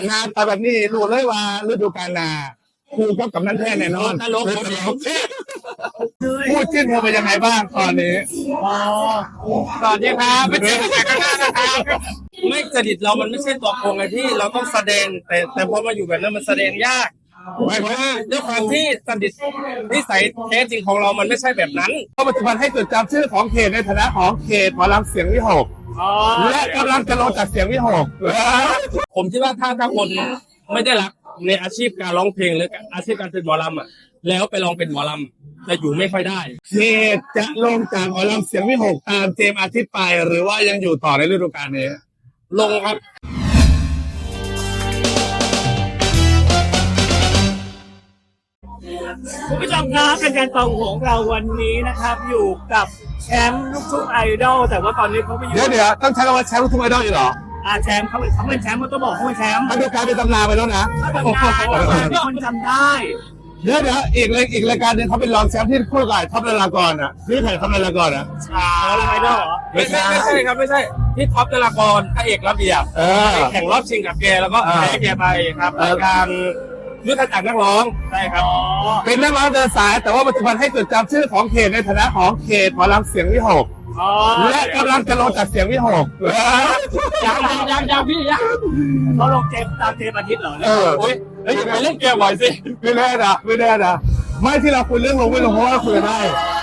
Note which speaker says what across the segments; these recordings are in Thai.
Speaker 1: งานแต่แบบนี้รู้เลยว่าฤดูกาลหน้าครูก็กำนันแท้แน่นอนตลกพูดชื่นชมเป็นยังไงบ้างตอนนี้
Speaker 2: สวัสดีครับไม่ใช่แขกข้างหน้านะครับไม่จริตเรามันไม่ใช่ตัวโกงไงที่เราต้องแสดงแต่พอมาอยู่แบบนั้นมันแสดงยากไม่เพราะว่าด้วยความที่จริตนิสัยแท้จริงของเรามันไม่ใช่แบบนั้น
Speaker 1: ปัจจุบันให้จดจำชื่อของเขตในฐานะของเขตหมอลำเสียงวิหกและกำลังจะลงจากเสียงวิหก
Speaker 2: ผมคิดว่าถ้าคนไม่ได้รักในอาชีพการร้องเพลงหรืออาชีพการเป็นหมอลำอ่ะแล้วไปลองเป็นหมอลำจะอยู่ไม่ค่อยได้
Speaker 1: เขตจะลงจากหมอลำเสียงวิหกตามเจมส์อาทิตย์ไปหรือว่ายังอยู่ต่อในฤดูกาลนี้
Speaker 2: ลงครับ
Speaker 3: คุณผู้ชมครับเป็นการฟังของเราวันนี้นะครับอยู่กับแชมป์ลูกทุ่งไอดอลแต่ว่าตอนนี้เขาไปอยู่
Speaker 1: เดี๋ยวต้องใช้คำว่าแชมป์ลูกทุ่งไอดอลอยู่เหรอ
Speaker 3: แชมป์เขาเป็นแชมป์มันต้องบอกเขาเป็นแชมป์
Speaker 1: มันดูการเป็นตำนานไปแล้วนะ
Speaker 3: มีคนจำได้
Speaker 1: เดี๋ยวอีกรายการหนึ่งเขาเป็นรองแชมป์ที่คู่กับท็อปนารากรอ่ะนี่ใครท็อปนารากรอ่ะ
Speaker 3: ไอดอล
Speaker 2: ไม่ใช่ครับไม่ใช่ที่ท็อปนารากรพระเอกระเบียบแข่งรอบชิงกับแกแล้วก็แพ้แกไปครับรายการยุทธจักรนักร้องใช่ครับ
Speaker 1: เป็นนักร้องเดินสายแต่ว่าปัจจุบันให้จดจำชื่อของเขตในฐานะของเขตหมอลำเสียงวิหกและกำลังจะลงจากเสียงวิหก
Speaker 3: ยังพี่ยังเขาลงเจมตามเจมอาทิตย์เหรอ
Speaker 2: โอ้ยแล้วยังไงเล่นเกมบ่อยสิ
Speaker 1: ไม่แน่นะไม่ที่เราคุยเรื่องลงไม่ลงเพราะว่าคุยได้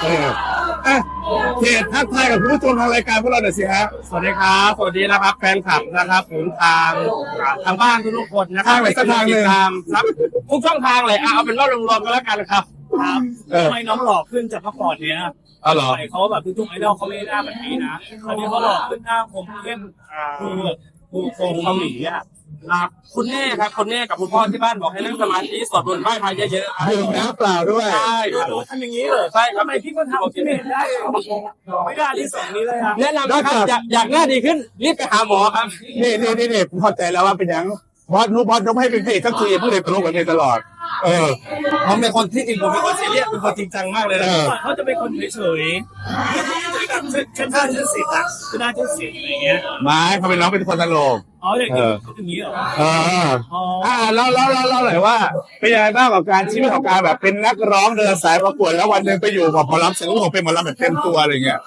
Speaker 1: เขตทักทายกับผู้ชมทางรายการพวกเราหน่อยสิฮะ
Speaker 2: สวัสดีครับสวัสดีนะครับแฟนคลับนะครับผมทางบ้านทุกคนนะครับ
Speaker 1: ทางเลย
Speaker 2: ครับทุกช่องทางเลยเอาเป็นว่ารวมๆกันแล้วกันครับ
Speaker 3: ทำไมน้องหล่อขึ้นจากเมื่อก่อนเนี้ย
Speaker 1: หรอ
Speaker 3: เขาแบบทุกไอดอลเขาไม่ได้หน้าแบบนี้นะตอนนี้เขาหล่อขึ้นหน้าคมเข้มดูโครงเกาหลีอ่ะ
Speaker 2: คุณแม่ครับคุณแม่กับคุณพ่อที่บ้านบอกให้นั่งสมาธิสวดมนต์ไหว้พระเยอะ
Speaker 1: ๆดื่มน้ำเปล่าด้วย
Speaker 2: ใช่
Speaker 3: ทำอย่างนี้เลย
Speaker 2: ใช่
Speaker 3: ทำไมพี่ก็ทำที่ไม่ได้ไม่ได้ที่สองนี้เลยครับ
Speaker 2: แนะนำนะครับอยากหน้าดีขึ้นรีบไปหาหมอครับ
Speaker 1: นี่ผมเข้าใจแล้วว่าเป็นยังบอสนุ๊กให้เป็นเพจสักทีเพื่อเด็กตลกแบบนี้ตลอด
Speaker 2: ผมเป็นคนที่จริงผมเป็นคนซีเรียสเป็นคนจริงจังมากเลยนะ
Speaker 3: เขาจะเป็นคนเฉยๆชั้นท่าชั้นสิบอ่ะชั้นท่าชั้นสิบอะไรเงี้ย
Speaker 1: ไม่เขาเป็นน้องเป็นคนตลก
Speaker 3: อย่างนี้เหรอ
Speaker 1: เราหน่อยว่าเป็นยังไงบ้างกับการชีวิตของการแบบเป็นนักร้องเดินสายประกวดแล้ววันหนึ่งไปอยู่กับหมอลำเสียงวิหกเป็นหมอลำแบบเต็มตัวอะไรเงี้ย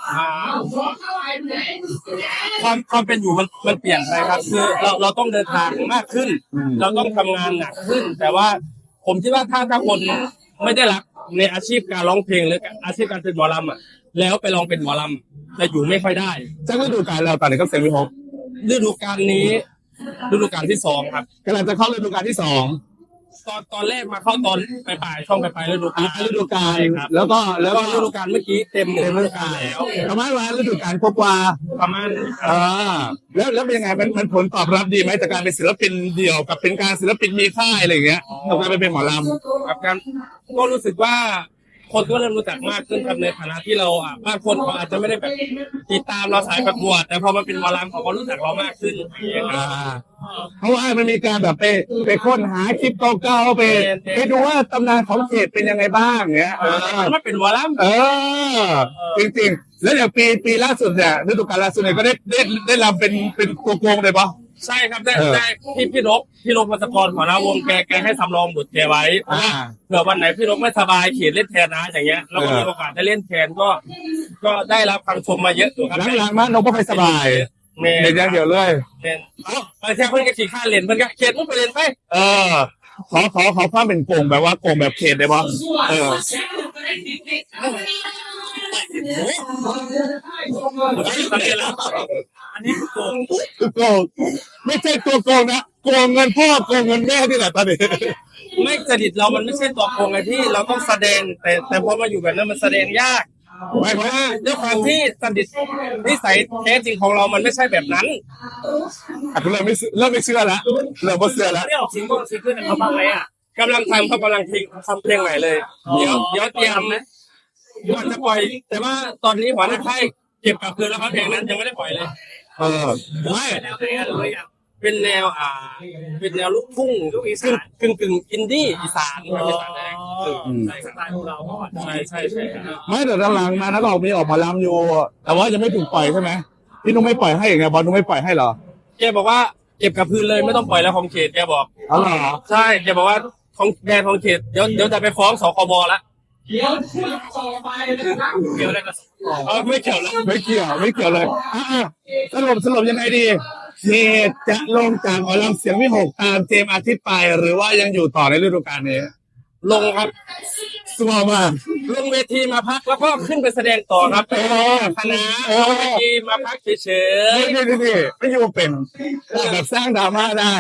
Speaker 2: ความเป็นอยู่มันเปลี่ยนไปครับคือเราต้องเดินทางมากขึ้นเราต้องทำงานหนักขึ้นแต่ว่าผมคิดว่าถ้าคนไม่ได้รักในอาชีพการร้องเพลงหรืออาชีพการเป็นหมอลำอ่ะแล้วไปลองเป็นหมอลำจะอยู่ไม่ค่อยได้
Speaker 1: จะฤดูกาลเราตอนนี้ก็เสียงวิหก
Speaker 2: ฤดูกาลนี้ฤดูกาลที่2ครับ
Speaker 1: กำลังจะเข้าฤดูกาลที่2
Speaker 2: ตอนแรกมาเข้าตอนปลายช่องปลายฤดูกาล
Speaker 1: ครับแล้วก็
Speaker 2: ฤดูกาลเมื่อกี้เต็มฤดูกาลแล้ว
Speaker 1: ประมาณว่าฤดูกาลกว่า
Speaker 2: ประมาณ
Speaker 1: แล้วเป็นยังไงมันผลตอบรับดีไหมจากการเป็นศิลปินเดี่ยวกับเป็นการศิลปินมีค่ายอะไรอย่างเงี้ยกับการเป็นหมอล
Speaker 2: ำกับการก็รู้สึกว่าคนก็เริ่มรู้จักมากขึ้นครับในฐานะที่เราบางคนเขาอาจจะไม่ได้แบบติดตามเราสายประกวดแต่พอมาเป็นหมอลำเขาก็รู้จักเรามากขึ้น
Speaker 1: เพราะว่ามันมีการแบบไปค้นหาคลิปเก่าๆไปดูว่าตำนานของเขตเป็นยังไงบ้างเงี้ย
Speaker 2: มันเป็นหมอล
Speaker 1: ำจริงๆแล้วเดี๋ยวปีล่าสุดเนี่ยฤดูกาลล่าสุดเนี่ยก็ได้รำเป็นตัวโกงเลยปะ
Speaker 2: ใช่ครับได้พี่นกมัสกรของนาวงแกให้สำรองบทแกไว้เผื่อวันไหนพี่นกไม่สบายเขียนเล่นแทนนะอย่างเงี้ยแล้วก็มีโอกาสได้เล่นแทนก็ได้รับคำชมมาเยอะอยู่ครับ
Speaker 1: หลังๆมานกก็ไม่สบายเล่นอย่างเดียวเลย
Speaker 2: แค่เพื่อนก็ขี่ข้าเล่นเพื่อนก็เขียนมุกไปเล่นไป
Speaker 1: ขอความเป็นโกงแบบว่าโกงแบบเขตได้ปะ
Speaker 3: อันนี้
Speaker 1: โกงไม่ใช่ตัวโกงนะโกงเงินพ่อโกงเงินแม่ที่ไหนตอนนี้
Speaker 2: ไม่จริตเรามันไม่ใช่ตัวโกงไงที่เราต้องแสดงแต่พอมาอยู่แบบนั้นมันแสดงยาก
Speaker 1: ไม่เพราะว่า
Speaker 2: ด้วยความที่จริตนิสัยแท้จริงของเรามันไม่ใช่แบบนั้น
Speaker 1: คุณเริ่มไม่เชื่อแล้วเริ่มไม่เชื่อแล้ว
Speaker 3: ไม่ออกซิงเกิลเขาบ้างไหม
Speaker 2: กำลังทำเขากำลังทำเพลงใหม่เลยเดี๋ยวเตรียมนะก่อนจะปล่อยแต่ว่าตอนนี้หัวหน้าค่ายเก็บกับคืนแล้วครับเพลงนั้นยังไม่ได้ปล่อยเลย
Speaker 1: ไม่
Speaker 2: เป็นแนวเป็นแนวลูกทุ่งอีสานกึ่งอินดี้อีสานอีสาน
Speaker 3: ใช่สไตล์ของเรา
Speaker 2: ใช่
Speaker 1: ไม่แต่หลังมานักร้องมีออกมาลำอยู่แต่ว่ายังไม่ถูกปล่อยใช่ไหมพี่นุ้งไม่ปล่อยให้อย่างไงบอลนุ้งไม่ปล่อยให้เหรอ
Speaker 2: แกบอกว่าแเก็บกับพื้นเลยไม่ต้องปล่อยแล้วของเขตแกบอก
Speaker 1: อ๋อเหรอ
Speaker 2: ใช่แกบอกว่าของแดนของเขตเดี๋ยวจะไปฟ้องสคบละเกี่ยวอะไรกับไม่เกี่ยวแล้ว
Speaker 1: ไม่เกี่ยวไม่เกี่ยวเลยสรุปยังไงดีเขตจะลงจากหมอลำเสียงวิหกตามเจมส์อาทิตย์ไปหรือว่ายังอยู่ต่อในฤดูกาลนี้
Speaker 2: ลงครับ
Speaker 1: สมองมาก
Speaker 2: ลงเวทีมาพักแล้วก็ขึ้นไปแสดงต่อครับคณะลงเวทีมาพักเฉย
Speaker 1: นี่ไม่อยู่เป็นแบบสร้างดราม่าได้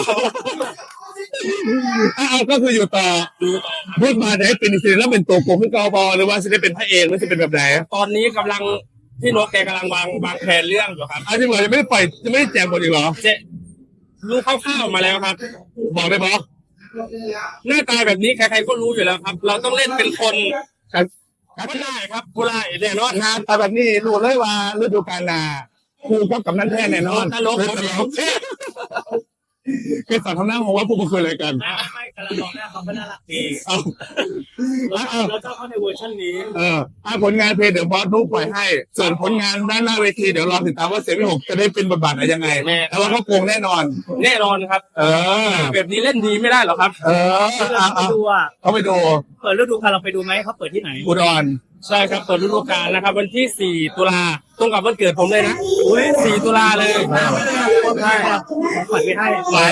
Speaker 1: ก็คืออยู่ต่อพูดมาจะให้เป็นศิลป์แล้วเป็นตัวโกงขึ้นกบหรือว่าจะได้เป็นพระเอกหรือจะเป็นแบบไหน
Speaker 2: ๆตอนนี้กำลังพี่นกแกกำลังวางแผนเรื่องอยู่ครับ
Speaker 1: จริงเหรอยังไม่ได้ปล่อยยังไม่ได้แจกหมดอีกเหรอ
Speaker 2: เจ๊รู้คร่าวๆมาแล้วครับ
Speaker 1: บอกได้บอก
Speaker 2: หน้าตาแบบนี้ใครๆก็รู้อยู่แล้วครับ เราต้องเล่นเป็นคนก็ได้ครับผู้ร้ายแน่นอน
Speaker 1: งานแต่แบบนี้รู้เลยว่าฤดูกาลหน้าครูกับกำนันแท้แน่นอน
Speaker 2: ตลก
Speaker 1: คือสอนทำหน้าผมว่าพวกมันคุยอะไรกัน
Speaker 3: ไม่กำลังบอกหน้าเขาก็น่ารักดี
Speaker 1: เอา
Speaker 3: แล้วก็เข้าในเวอร์ชันนี้
Speaker 1: ผลงานเพลงเดี๋ยวบอสนุ๊กปล่อยให้ ส่วนผลงานด้านหน้าเวทีเดี๋ยวรอติดตามว่าเสียงพี่หกจะได้เป็นบทบาทอะไรยังไง แต่ว่าเขาโกงแน่นอน
Speaker 2: แน่นอนครับ แบบนี้เล่นดีไม่ได้หรอกครับ
Speaker 3: ไปดูอ่ะ
Speaker 1: เขาไปดู
Speaker 3: เปิดฤดูกาลเราไปดูไหมเขาเปิดที่ไหน
Speaker 1: อุดร
Speaker 2: ใช่ครับเปิดฤดูกาลนะครับ วันที่ 4 ตุลาตรงกับวันเกิดผมเลยนะ4 ตุลาเลย
Speaker 3: ใช่ขวัญไปให้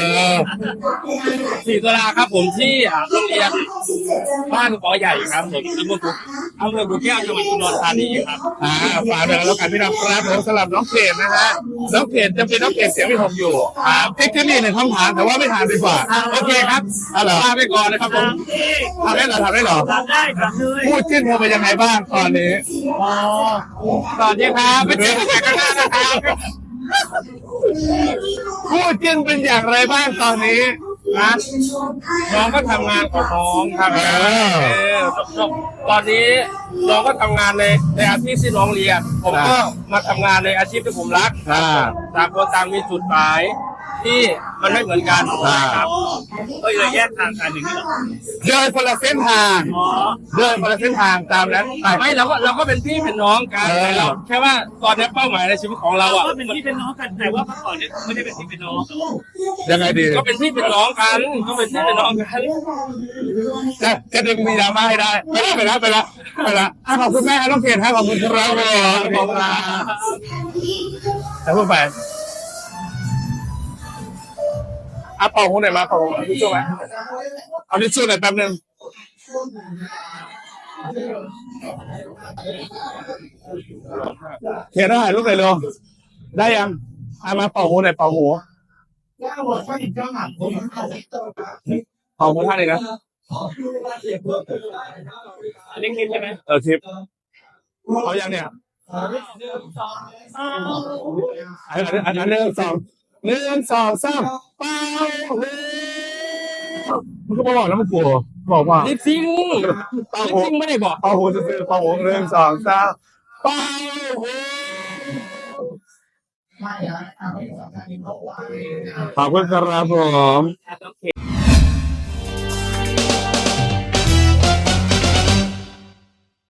Speaker 2: 4 ตุลาครับผมที่โรงเรียนบ้านขอใหญ่ครับผมอำเภอบุแก้วจังหวัดอุดรธานีครับ
Speaker 1: ฝากด้วยแล้วกันพี่น้องครับผมสำหรับน้องเขตนะฮะน้องเขตจะเป็นน้องเขตเสียงพี่หกอยู่เทคนิคหนึ่งคำถามแต่ว่าไม่ถามดีกว่า
Speaker 2: โอเคครับลาไปก่อนนะครับผม
Speaker 1: ทำได้เหรอ
Speaker 3: ทำได้ทำเลย
Speaker 1: พูดจิ้นเธอเป็นยังไงบ้างตอนนี้
Speaker 2: สวัสดีครับไปเจอกันข้างหน้านะครับ
Speaker 1: พูดจิ้นเป็นอย่างไรบ้างตอนนี้
Speaker 2: นะน้องก็ทำงานของน้องครับตอนนี้น้องก็ทำงานในอาชีพที่น้องเรียนผมก็มาทำงานในอาชีพที่ผมรักต่างคนต่างมีจุดหมายที่มันไม่เหมือนกันครับ
Speaker 3: ก็เลยแยกทางกันอย่างนี้หรอ
Speaker 1: เดินคนละเส้นทางตามนั้นไป
Speaker 2: ไม่เราก็เป็นพี่เป็นน้องกันเราแค่ว่าตอนนี้เป้าหมายในชีวิตของเราอ่ะ
Speaker 3: ก็เป็นพี่เป็นน้องกันแต่ว่าเมื่อก่อนเนี่ยไม่ได้เป็นพี่เป็นน้อง
Speaker 1: ยังไงดี
Speaker 2: ก็เป็นพี่เป็นน้องกันก็เป็นพี่เป็นน้องกัน
Speaker 1: จะดึงมีดราม่าให้ได้ไปละขอบคุณแม่น้องเขตขอบคุณครับขอบคุณแล้วพูดไปเป่าหูหน่อยมาเป่าหูทิชชู่ไหมเอาทิชชู่หน่อยแป๊บนึงเขียนได้ลูกไหนลงได้ยังมาเป่าหูหน่อยเป่าหูท่านเองนะ
Speaker 3: อันนี้คิดใช่ไหม
Speaker 1: ทิปเอายังเนี่ยอัน1 2 3เป่าหูมันก็บอกแล้วมันกลัวบอกว่า
Speaker 2: ลิปซิงไม่ได้บอก
Speaker 1: เป่าหูจะซื้อเป่าหู1 2 3เป่าหูขอบคุณครับผม